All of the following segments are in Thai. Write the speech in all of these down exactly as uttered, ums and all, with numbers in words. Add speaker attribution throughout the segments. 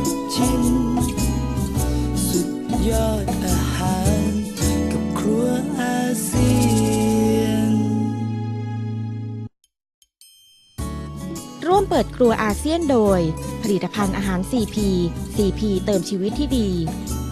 Speaker 1: ชิมสุดยอดอาหารกับครัวอาเซียน
Speaker 2: ร่วมเปิดครัวอาเซียนโดยผลิตภัณฑ์อาหาร ซี พี ซี พี เติมชีวิตที่ดี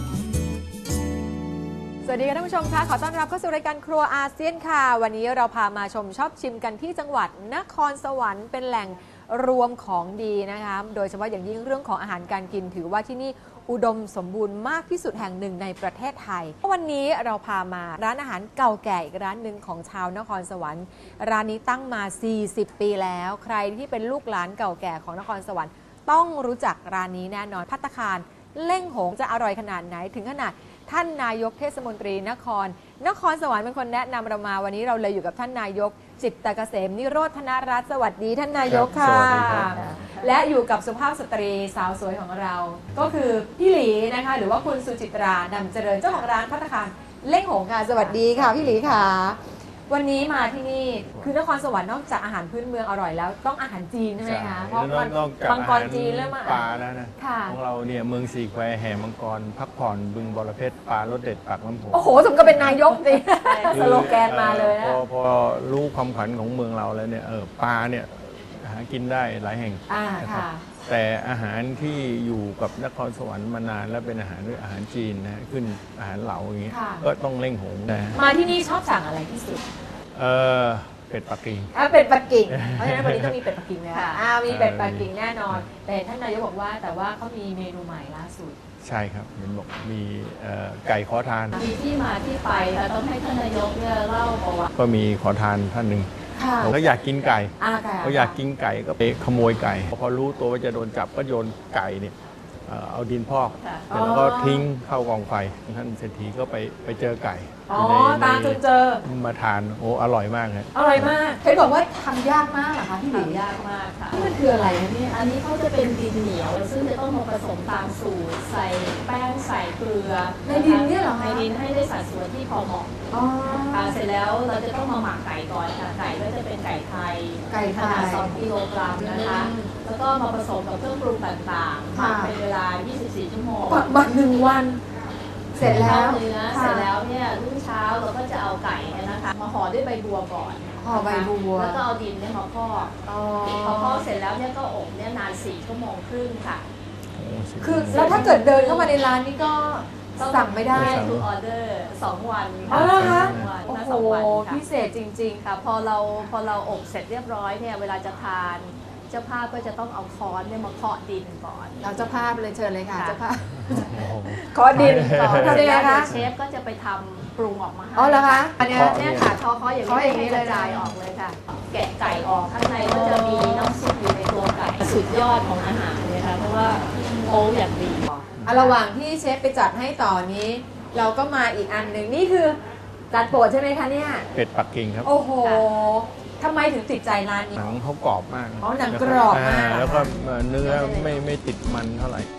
Speaker 3: สวัสดีค่ะท่านผู้ชมคะขอต้อนรับเข้าสู่รายการครัวอาเซียนค่ะวันนี้เราพามาชมชอบชิมกันที่จังหวัดนครสวรรค์เป็นแหล่งรวมของดีนะคะโดยเฉพาะอย่างยิ่งเรื่องของอาหารการกินถือว่าที่นี่อุดมสมบูรณ์มากที่สุดแห่งหนึ่งในประเทศไทยวันนี้เราพามาร้านอาหารเก่าแก่อีกร้านหนึ่งของชาวนครสวรรค์ร้านนี้ตั้งมาสี่สิบปีแล้วใครที่เป็นลูกหลานเก่าแก่ของนครสวรรค์ต้องรู้จักร้านนี้แน่นอนภัตตาคารเล่งหงจะอร่อยขนาดไหนถึงขนาดท่านนายกเทศมนตรีนครนครสวรรค์เป็นคนแนะนำเรามาวันนี้เราเลยอยู่กับท่านนายกจิตตเกษมนิโรธนรัตน์สวัสดีท่านนายกค่ะและอยู่กับสุภาพสตรีสาวสวยของเราก็คือพี่หลีนะคะหรือว่าคุณสุจิตรานำเจริญเจ้าของร้านภัตตาคารเล่งหงค่ะสวัสดีค่ะพี่หลีค่ะวันนี้มาที่นี่คือนครสวรรค์นอกจากอาหารพื้นเมืองอร่อยแล้วต้องอาหารจีนใช่ไหมคะเพราะมันมังกรจีนเริ่มมา
Speaker 4: ปลาแล้วนะของเราเนี่ยเมืองสี่แควแห่มังกรพักผ่อนบึงบรเพชรปลารสเด็ดปากน้ำโขง
Speaker 3: โอ้โหสมกับเป็นนายกสิสโลแกนมาเลยนะ
Speaker 4: พอพอรู้ความขวัญของเมืองเราแล้วเนี่ยเออปลาเนี่ยหากินได้หลายแห่งนะครับแต่อาหารที่อยู่กับนครสวรรค์มานานและเป็นอาหารด้วยอาหารจีนนะขึ้นอาหารเหลาอย่างเงี้ยก็ต้องเล่งหงนะ
Speaker 3: มาที่นี่ชอบสั่งอะไรที่สุด
Speaker 4: เออเป็ดปักกิ่ง
Speaker 3: อ่ะเป็ดปักกิ่งเพราะฉะนั้นวันนี้ต้องมีเป็ดปักกิ่งแล้วอ่ามีเป็ดปักกิ่งแน่นอนแต่ท่านนายกบอกว่าแต่ว่าเขามีเมนูใหม่ล่าสุด
Speaker 4: ใช่ครับเห็นบอกมีไก่ขอทาน
Speaker 5: มีที่มาที่ไปต้องให้ท่านนายกเนี่ยเล่าประวัติ
Speaker 4: ก็มีขอทานท่านหนึ่งเขาอยากกินไก่เขาอยากกินไก่ก็ไปขโมยไก่พอรู้ตัวว่าจะโดนจับก็โยนไก่เนี่ยเอาดินพอกแล้วก็ทิ้งเข้ากองไฟท่านเศรษฐีก็ไปไปเจอไก่
Speaker 3: อ๋อตามจนเจอ
Speaker 4: มาทานโอ้อร่อยมากเลย
Speaker 3: อร่อยมากเห็นบอกว่าทำยากมากเหรอคะพี่หลิ
Speaker 5: ยากมากค่ะ
Speaker 3: นี่มันคืออะไรนี่
Speaker 5: อันนี้เขาจะเป็นดินเหนียวซึ่งจะต้องมาผสมตามสูตรใส่แป้งใส่เกลือ
Speaker 3: ในดินเนี่ยเหรอ
Speaker 5: ในดินให้ได้สัดส่วนที่พอเหมาะค่ะเสร็จแล้วเราจะต้องมาหมักไก่ก่อนค่ะไก่ก็จะเป็นไก่ไทย
Speaker 3: ไก่
Speaker 5: ขนาดสองกิโลกรัมนะคะแล้วก็มาผสมกับเครื่องปรุงต่างๆหมักเป็นเวลายี่สิบสี่ชั่วโมง
Speaker 3: หมักหนึ่งวันเสร็จแล้ว
Speaker 5: เนื้อเสร็จแล้วเนี่ยรุ่งเช้าเราก็จะเอาไก่เนี่ยนะคะมาห่อด้วยใบบัวก่อน
Speaker 3: ห่อใบบัว
Speaker 5: แล้วก็เอาดินเนี่ยมาพอกพอพอกเสร็จแล้วเนี่ยก็อบเนี่ยนานสี่ชั่วโมงครึ่งค่ะ
Speaker 3: คือแล้วถ้าเกิดเดินเข้ามาในร้านนี้ก็สั่งไม่ได้
Speaker 5: ทุกออเดอร์สองวัน
Speaker 3: อ๋อเหรอคะโอ้โหพิเศษจริงๆ
Speaker 5: ค่ะพอเราพอเราอบเสร็จเรียบร้อยเนี่ยเวลาจะทานเจ้าภาพก็จะต้องเอาค้อนเนี่ยมาเคาะดินก่อน
Speaker 3: เอาเจ้าภาพเลยเชิญเลยค่ะเจ้าภาพเคาะดินก่อน
Speaker 5: ทำยังไงคะเชฟก็จะไปทำปรุงออกมาให้
Speaker 3: อ๋อเหรอคะอันนี้
Speaker 5: เนี่ยค่ะเคาะเคาะอย่างนี้เลยกระจายออกเลยค่ะแกะไก่ออกข้างในก็จะมีน้ำซุปอยู่ในตัวไก่สุดยอดของอาหารเลยค่ะเพราะว่าโอ้อย่างดี
Speaker 3: ระหว่างที่เชฟไปจัดให้ต่อนี้ เราก็มาอีกอันหนึ่งนี่คือจัดโปรดใช่ไหมคะเนี่ย
Speaker 4: เป็ดปักกิ่งครับ
Speaker 3: โอ้โหทำไมถึงติดใจร้านนี้
Speaker 4: หนังเขากรอบมาก
Speaker 3: อ๋อหนังกรอบมาก
Speaker 4: แล้วก็เนื้อไม่ไม่ติดมันเท่าไหร่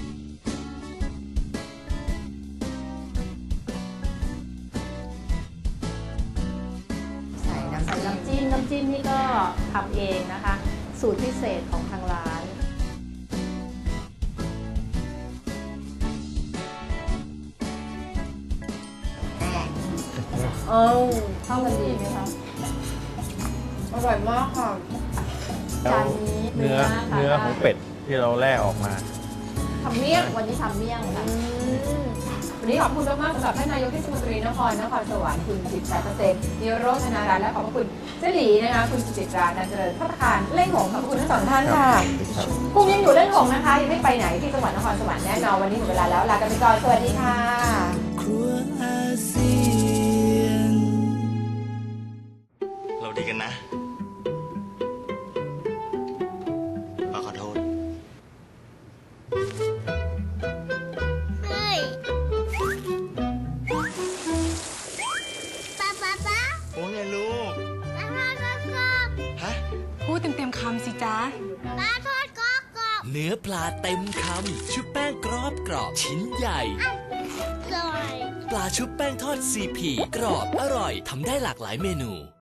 Speaker 5: ใส่น้ำใส่น้ำจิ้มน้ำจิ้มนี่ก็ทำเองนะคะสูตรพิเศษของทางร้าน
Speaker 3: เออ
Speaker 5: เข้ากันดีไหมคะ
Speaker 3: อร่อยมากค่ะ
Speaker 5: จานนี้
Speaker 4: เนื้อเนื้อของเป็ดที่เราแล่ออกมา
Speaker 3: ทำเมี่ยง
Speaker 5: วันนี้ทำเมี่ยงค่ะ
Speaker 3: วันนี้ขอบคุณมากๆสำหรับท่านนายกเทศมนตรีนครนครสวรรค์คุณจิตตเกษมนิโรธนรัตน์และขอบคุณเจ้าหลีนะคะคุณสุจิตรานันเจริญภัตตาคารเล่งหงขอบคุณทั้งสองท่านค่ะภูมิยังอยู่เล่งหงนะคะยังไม่ไปไหนที่จังหวัดนครสวรรค์แน่นอนวันนี้หมดเวลาแล้วลากันไปก่อนสวัสดีค่ะ
Speaker 1: ครัวอาเซียนเราดีกันนะขอโทษ
Speaker 6: เฮ้ยป๊าป๊าป๊า
Speaker 1: โอ้ไงลูก
Speaker 6: ปลาทอดกรอบ
Speaker 1: ฮะ
Speaker 7: พูดเต็มๆคำสิจ๊ะ
Speaker 6: ปลาทอดกรอบกรอบ
Speaker 8: เนื้อปลาเต็มคำชุบแป้งกรอบกรอบชิ้นใหญ่
Speaker 6: อร่อย
Speaker 8: ปลาชุบแป้งทอดซีพีกรอบอร่อยทำได้หลากหลายเมนู